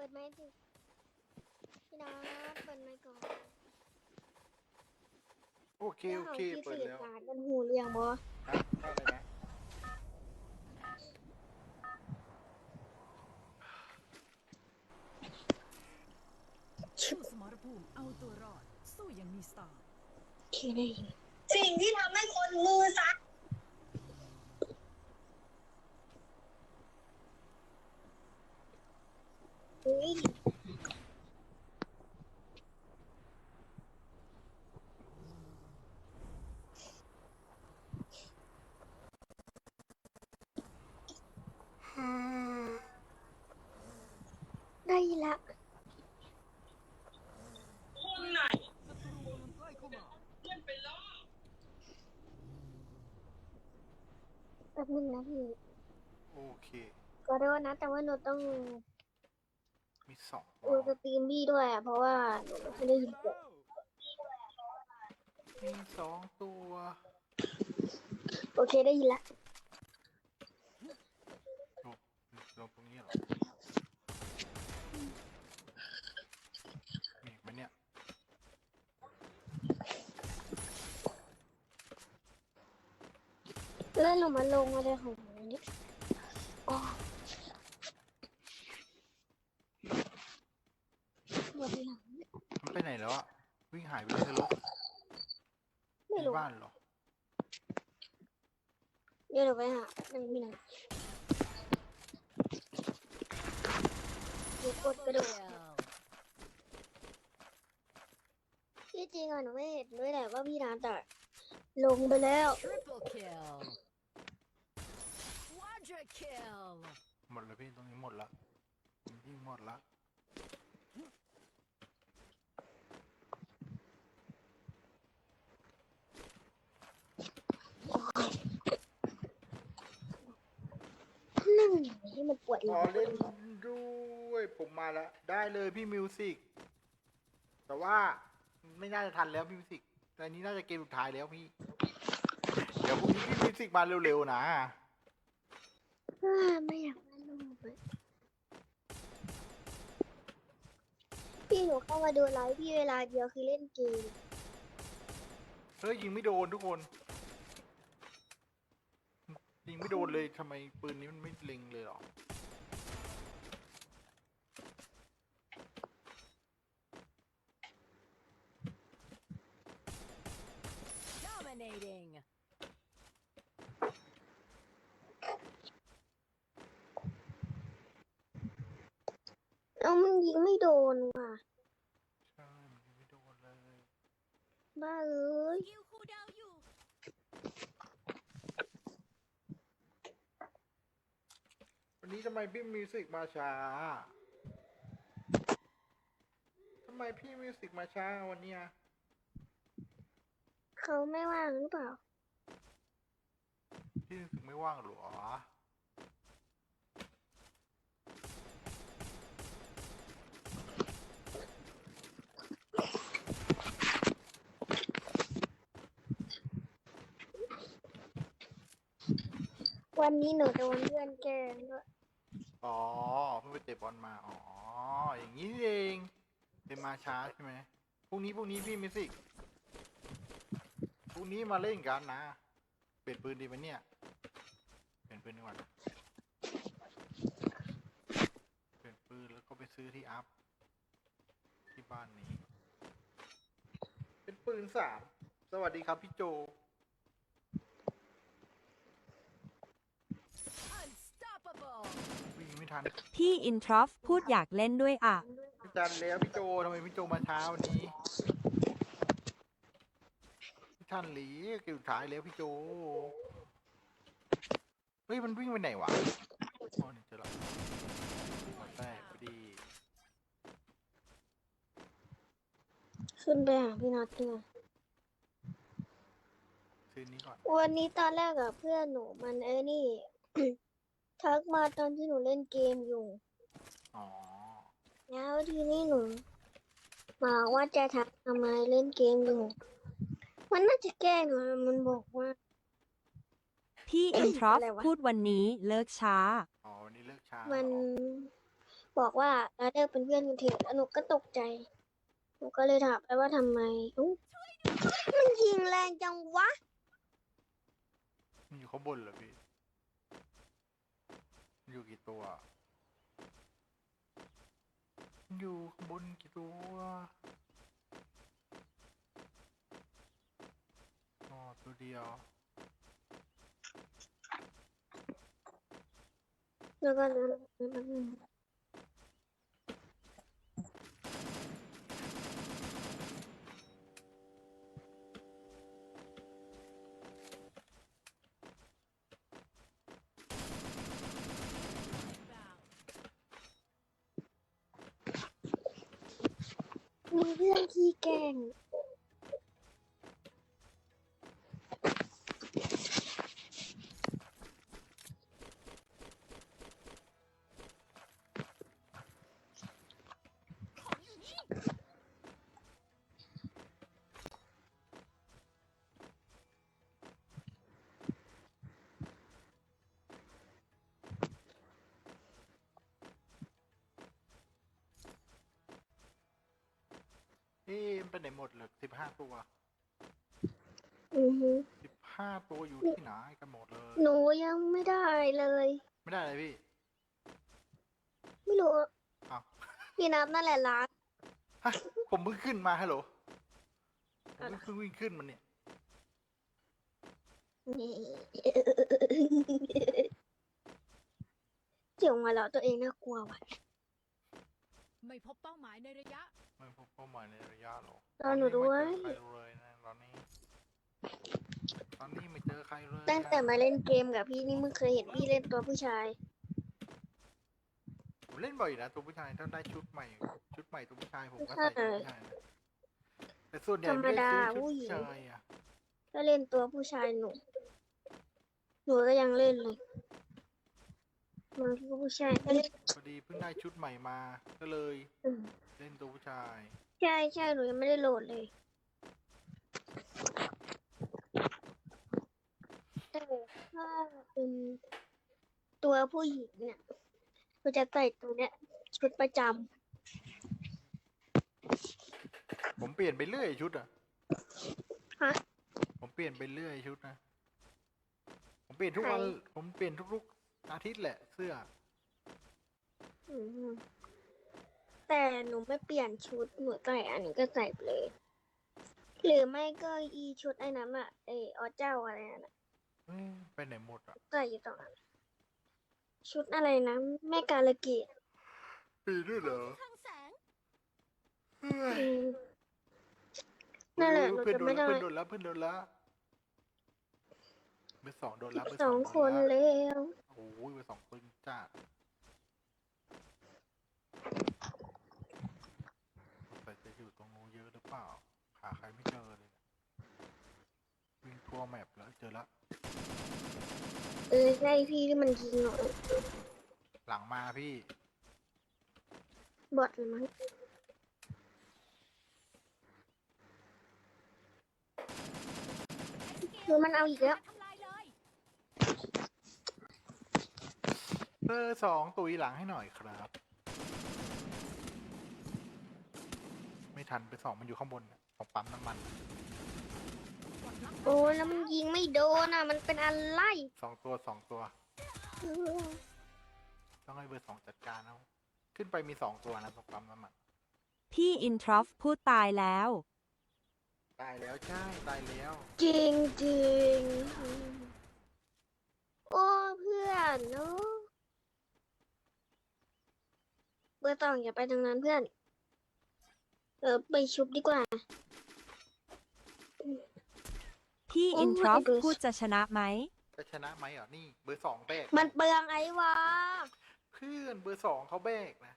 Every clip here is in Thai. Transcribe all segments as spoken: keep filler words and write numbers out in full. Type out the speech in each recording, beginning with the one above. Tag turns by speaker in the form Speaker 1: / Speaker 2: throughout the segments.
Speaker 1: ปิดไมค์สิพี่น้องเปิดไมค์ก่อน
Speaker 2: โอเคโอเคเปิดแล้ว
Speaker 1: การกันหูเรียงบ่
Speaker 2: ครับได้เลยนะ
Speaker 3: สู้สมรภูมิเอาตัวรอดสู้อย่างมีสไตล์
Speaker 1: เคได้ยิน
Speaker 4: สิ่งที่ทำให้คนมือสั่น
Speaker 1: เฮ้ยได้ละ
Speaker 4: คนไหนเลื่อนไปแล้ว
Speaker 1: แป๊บนึงนะพี่
Speaker 2: โอเค
Speaker 1: ก็ได้ว่านะแต่ว่าหนูต้อง
Speaker 2: มีสอง
Speaker 1: ดูสตรีมพี่ด้วยอ่ะเพราะว่าหนูไม่ได้ยินเสียง
Speaker 2: มีสองตัว
Speaker 1: โอเคได้ยินละ
Speaker 2: ลงลงตรงนี้เหรอมีมันเนี่ย
Speaker 1: เล่นลงมาลงอะไรของหนูนี่อ๋อหมดหลัง
Speaker 2: มันไปไหนแล้วอะวิ่งหายไปเลยเหรอ
Speaker 1: ไม่
Speaker 2: ใน
Speaker 1: รู้
Speaker 2: บ้านเหรอ
Speaker 1: เดี๋ยวหนูไปหาหนึ่งพี่นะหนูกดกระโดดที่จริงอ่ะหนูไม่เห็นด้วยแหละว่าพี่น้ำแต่ลงไปแล้ว
Speaker 3: Triple kill Quadra kill
Speaker 2: หมดแล้วพี่ตรงนี้หมดละยิ่งหมดละ
Speaker 1: นั่งอย่างนี้มันปวดห
Speaker 2: ข
Speaker 1: ลั
Speaker 2: อง เล่นด้วยผมมาแล้วได้เลยพี่มิวสิกแต่ว่าไม่น่าจะทันแล้วพี่มิวสิกแต่อันนี้น่าจะเกมสุดท้ายแล้วพี่เดี๋ยวพรุ่งนี้พี่มิวสิกมาเร็วๆนะ
Speaker 1: อ่าไม่อยากเล่นลงไปพี่หนูเข้ามาดูไลฟ์พี่เวลาเดียวคือเล่นเกม
Speaker 2: เฮ้ยยิงไม่โดนทุกคนยิงไม่โดนเลยทำไมปืนนี้มันไม่เล็งเลยหรอ
Speaker 3: Dominating
Speaker 1: เอ้ามันยิงไม่โดนว่ะ
Speaker 2: ใช่มันยิงไม่โดนเลย
Speaker 1: บ้าเอ้ย
Speaker 3: ยิวคูดาวอยู่
Speaker 2: วันนี้ทำไมพี่มิวสิกมาช้าทำไมพี่มิวสิกมาช้าวันเนี้ย
Speaker 1: เขาไม่ว่างหรือเปล่า
Speaker 2: พี่มิวสิกไม่ว่างหรอ
Speaker 1: วันนี้หนูโดนเพื่อนแกล้งด้วย
Speaker 2: อ๋อเพิ่งไปเตะบอลมาอ๋ออย่างนี้เองเป็นมาช้าใช่ไหมพรุ่งนี้พรุ่งนี้พี่มิวสิกพรุ่งนี้มาเล่นกันนะเปลี่ยนปืนดีไหมเนี่ยเปลี่ยนปืนดีกว่าเปลี่ยนปืนแล้วก็ไปซื้อที่อัพที่บ้านนี้ เป็นปืนสามสวัสดีครับพี่โจ
Speaker 3: Unstoppable
Speaker 2: วิ่งไม่ทัน
Speaker 5: พี่อินทรอฟพูดอยากเล่นด้วยอ่ะ
Speaker 2: ไม่ทันแล้วพี่โจทำไมพี่โจมาช้าวันนี้พี่ทันหลีเกี่ยวสุดท้ายแล้วพี่โจเฮ้ยมันวิ่งไปไหนวะอ๋อนี่เจอแล้วหัวแตกพอดี
Speaker 1: ขึ้นไปหาพี่นัทเลย
Speaker 2: ซื้อนี้ก่อน
Speaker 1: วันนี้ตอนแรกอะเพื่อนหนูมันเอ้นี่ ทักมาตอนที่หนูเล่นเกมอยู่
Speaker 2: อ๋อ
Speaker 1: แล้วทีนี้หนูบอกว่าจะทักทำไมเล่นเกมอยู่ มันน่าจะแกล้งหนูมันบอกว่า
Speaker 5: พี่อินทรอฟ
Speaker 1: อะไรวะ
Speaker 5: พูดวันนี้เลิกช้า
Speaker 2: อ๋อวันนี้เลิกช้า
Speaker 1: มัน
Speaker 2: เหรอ
Speaker 1: บอกว่าเราเลิกเป็นเพื่อนกันเถอะแล้วหนูก็ตกใจหนูก็เลยถามไปว่าทำไมอุ๊ยมันยิงแรงจังวะ
Speaker 2: มันอยู่ข้างบนเหรอพี่มันอยู่กี่ตัวมันอยู่ข้างบนกี่ตัวอ๋อตัวเดียว
Speaker 1: แล้วก็นั้นแล้วก็ มีเรื่องขี้แกล้ง
Speaker 2: เอ๊ะมันไปไหนหมดเหลือสิบห้าตัว
Speaker 1: อือฮึ
Speaker 2: สิบห้าตัวอยู่ที่ไหนกันหมดเลย
Speaker 1: หนูยังไม่ได้เลย
Speaker 2: ไม่ได้เลยพี่
Speaker 1: ไม่รู้
Speaker 2: อ้าว
Speaker 1: พี่นับนั่นแหละร้าน
Speaker 2: ฮะผมเพิ่งขึ้นมาฮัลโหลผมเพิ่งวิ่งขึ้นมันเนี่ย
Speaker 1: เสียงมาแล้วตัวเองน่ากลัวว่ะ
Speaker 3: ไม่พบเป้าหมายในระยะ
Speaker 2: ไม่พบเป้าหมายในระยะหรอก
Speaker 1: รอหนูด้วย
Speaker 2: ตอนนี้ไม่เจอใครเลยนะตอนนี้ ตอนนี้ไม่เจอใครเลย
Speaker 1: ตั้งแต่มาเล่นเกมกับพี่นี่มึงเคยเห็นพี่เล่นตัวผู้ชาย
Speaker 2: ผมเล่นบ่อยนะตัวผู้ชายถ้าได้ชุดใหม่ ชุดใหม่ตัวผู้ชายผมก็ใส่ตัวผู้ชายนะแต่ส่วนใหญ่ไม่ได้ซื้อชุดผู้ชายอ่ะ
Speaker 1: ถ้าเล่นตัวผู้ชายหนู หนูก็ยังเล่นเลยบางทีก็ผู้ชายก็เล่น
Speaker 2: พอดีเพิ่งได้ชุดใหม่มา ก็เลย
Speaker 1: อืม
Speaker 2: เล่นตัวผู้ชาย
Speaker 1: ใช่ใช่หนูยังไม่ได้โหลดเลยแต่ถ้าเป็นตัวผู้หญิงเนี่ยก็จะใส่ตัวเนี้ยชุดประจ
Speaker 2: ผมเปลี่ยนไปเรื่อยชุดอ่ะ
Speaker 1: ำฮะ
Speaker 2: ผมเปลี่ยนไปเรื่อยชุดนะ ผมเปลี่ยนทุกวัน
Speaker 1: ใช่
Speaker 2: ผมเปลี่ยนทุกๆอาทิตย์แหละเสื้อ
Speaker 1: อืมแต่หนูไม่เปลี่ยนชุดหนูใส่อันนี้ก็ใส่ไปเลย หรือไม่ก็อีชุดไอ้นั้นอะไออเจ้าอะไรนั่นอะ
Speaker 2: เอ้ยไปไหนหมดอ่ะ
Speaker 1: ใส่อยู่ตรงนั้นชุดอะไรนะแม่กาลเกต
Speaker 2: ปีด้วยเหรอ
Speaker 1: อืมนั่นแหละหนู
Speaker 2: เพื่อน
Speaker 1: จะ
Speaker 2: โดน
Speaker 1: ไม่
Speaker 2: แล้ว
Speaker 1: ได้
Speaker 2: เพื่อนโดนแล้วเพื่อนโดนแล้วเบอร์สองโดน
Speaker 1: อี
Speaker 2: แล้ว
Speaker 1: ก
Speaker 2: เบอร์
Speaker 1: ส
Speaker 2: ส
Speaker 1: อ
Speaker 2: อง ง
Speaker 1: คน
Speaker 2: โดนแล้ว
Speaker 1: แล้ว
Speaker 2: โอ้ยเบอร์สองปืนจ้าใส่จะอยู่ตรงนู้นเยอะหรือเปล่าหาใครไม่เจอเลยเนี่ยวิ่งทั่วแมปแล้วเจอแล้ว
Speaker 1: เออใช่พี่ที่มันยิงหนู
Speaker 2: หลังมาพี่
Speaker 1: บอทเลยมั้งคือมันเอาอีกแล้ว
Speaker 2: เบอร์สองตุยหลังให้หน่อยครับ ไม่ทันเบอร์สองมันอยู่ข้างบนน่ะของปั๊มน้ำมัน
Speaker 1: โอ้แล้วมันยิงไม่โดนอ่ะ มันเป็นอะไร
Speaker 2: สองตัวสองตัว
Speaker 1: เออ
Speaker 2: ต้องให้เบอร์สองจัดการเอาขึ้นไปมีสองตัวนะตรงปั๊มน้ำมัน
Speaker 5: พี่อินทรอฟพูดตายแล้ว
Speaker 2: ตายแล้วใช่ตายแล้ว
Speaker 1: จริงจริงโอ้เพื่อนเนาะเบอร์ตองอย่าไปทางนั้นเพื่อน เออไปชุบดีกว่า
Speaker 5: พี่
Speaker 1: โอ้
Speaker 5: อินทรอฟ
Speaker 1: my gosh
Speaker 5: พูดจะชนะไหม
Speaker 2: จะชนะไหมเหรอนี่เบอร์สองแบก
Speaker 1: มันเปลืองไอ้วะ
Speaker 2: เพื่อนเบอร์สองเขาแบกนะ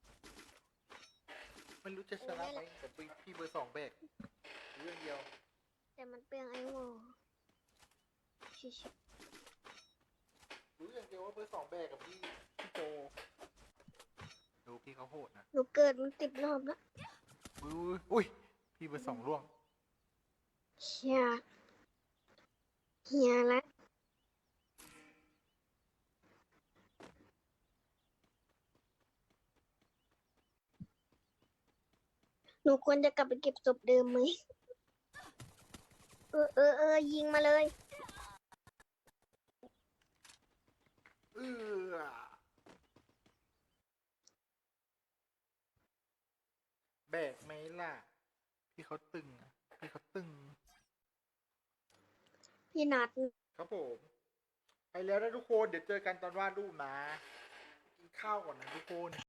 Speaker 2: ไม่รู้จะชนะไหมแต่พี่เบอร์สองแบกเรื่องเดียว
Speaker 1: แต่มันเปลืองไอ้วอชิชิ
Speaker 2: รู้อย่างเดียวว่าเบอร์สองแบกกับพี่พี่โจดูพี่เขาโหดนะ
Speaker 1: หนูเกิดมันติดรอบแล้ว
Speaker 2: อุ้ยอุ้ยพี่เบอร์สองร่วง
Speaker 1: เชียเฮียละหนูควรจะกลับไปเก็บศพเดิมไหมเออเออเออยิงมาเลย
Speaker 2: เออแบกไหมล่ะ พี่เขาตึงอะพี่เขาตึง
Speaker 1: พี่นัด
Speaker 2: ครับผม ไปแล้วนะทุกคนเดี๋ยวเจอกันตอนวาดรูปนะ กินข้าวก่อนนะทุกคน